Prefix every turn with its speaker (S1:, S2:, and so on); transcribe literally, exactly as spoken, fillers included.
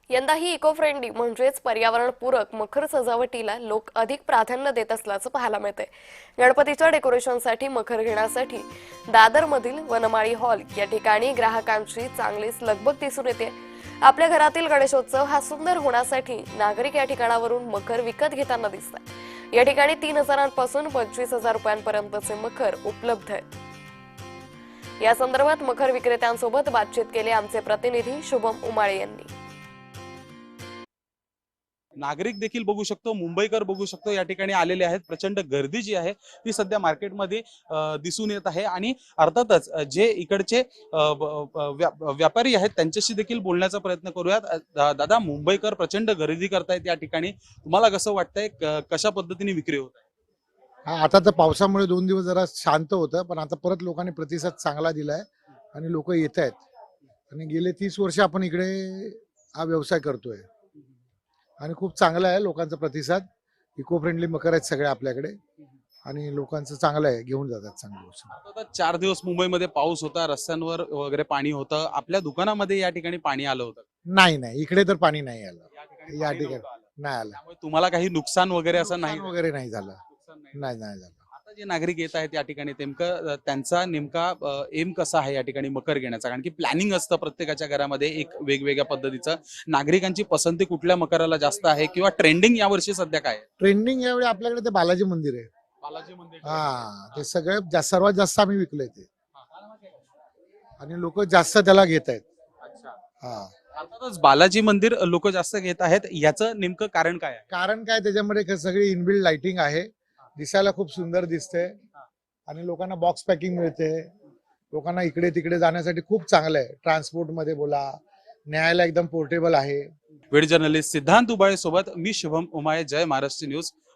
S1: यंदाही eco friendly म्हणजेच पर्यावरणपूरक मखर सजावटीला लोक अधिक प्राधान्य देत असल्याचं पाहायला मिळतंय। गणपतीच्या डेकोरेशनसाठी मखर घेण्यासाठी दादरमधील वनमाळी हॉल या ठिकाणी ग्राहकांची चांगलीच लगबग दिसून येते। आपल्या घरातील गणेशोत्सव हा सुंदर होण्यासाठी नागरिक या ठिकाणावरून मखर विकत घेताना दिसतात। या ठिकाणी तीन हजारांपासून पंचवीस हजार रुपयांपर्यंतचे मखर उपलब्ध आहेत। या संदर्भात मखर विक्रेत्यांसोबत बातचीत केली आमचे प्रतिनिधी शुभम उमाळे यांनी।
S2: नागरिक देखील बघू शकतो, मुंबईकर बघू शकतो, या ठिकाणी आलेले आहेत। प्रचंड गर्दी जी आहे ती सध्या मार्केटमध्ये दिसून येत आहे आणि अर्थातच जे इकडचे व्यापारी आहेत त्यांच्याशी देखील बोलण्याचा प्रयत्न करूयात। दादा, मुंबईकर प्रचंड गर्दी करतायत या ठिकाणी, तुम्हाला कसं वाटतंय, कशा पद्धतीने विक्री होत आहे?
S3: हा, आता तर पावसामुळे दोन दिवस जरा शांत होतं, पण आता परत लोकांनी प्रतिसाद चांगला दिलाय आणि लोक येत आहेत। आणि गेले तीस वर्ष आपण इकडे हा व्यवसाय करतोय आणि खूप चांगला आहे लोकांचा प्रतिसाद। इको फ्रेंडली मकर आहेत सगळे आपल्याकडे आणि लोकांचं चांगलं आहे, घेऊन जातात चांगली गोष्ट।
S2: आता चार दिवस मुंबईमध्ये पाऊस होता, रस्त्यांवर वगैरे पाणी होतं, आपल्या दुकानामध्ये या ठिकाणी पाणी आलं होतं?
S3: नाही नाही, इकडे तर पाणी नाही आलं, या
S2: पाणी
S3: ठिकाणी
S2: नव्हतं आलं.
S3: नाही आलं,
S2: त्यामुळे तुम्हाला काही नुकसान वगैरे असं नाही
S3: नुकसान वगैरे नाही झालं,
S2: नुकसान नाही.
S3: नाही नाही झालं।
S2: आता जे नागरिक येत आहेत या ठिकाणी नेमकं त्यांचा नेमका एम कसा आहे या ठिकाणी मकर घेण्याचा? कारण की प्लॅनिंग असतं प्रत्येकाच्या घरामध्ये एक वेगवेगळ्या पद्धतीचं। नागरिकांची पसंती कुठल्या मकराला जास्त आहे किंवा ट्रेंडिंग यावर्षी सध्या काय आहे?
S3: ट्रेंडिंग यावेळी आपल्याकडे ते बालाजी मंदिर आहे।
S2: बालाजी मंदिर
S3: हा, ते सगळ्यात जास्त सर्वात जास्त आम्ही विकलंय ते आणि लोक जास्त त्याला घेत आहेत।
S2: अच्छा,
S3: हा,
S2: अर्थातच बालाजी मंदिर लोक जास्त घेत आहेत, याचं नेमकं कारण काय आहे?
S3: कारण काय, त्याच्यामध्ये क- सगळी इनबिल्ड लाइटिंग आहे, दिसायला खूप सुंदर दिसते आणि लोकांना बॉक्स पॅकिंग मिळते। लोकांना इकडे तिकडे जाण्यासाठी खूप चांगलं आहे, ट्रान्सपोर्ट मध्ये बोला, न्यायला एकदम पोर्टेबल आहे।
S2: वेळ जर्नलिस्ट सिद्धांत उबाळे सोबत मी शुभम उमाळे, जय महाराष्ट्र न्यूज।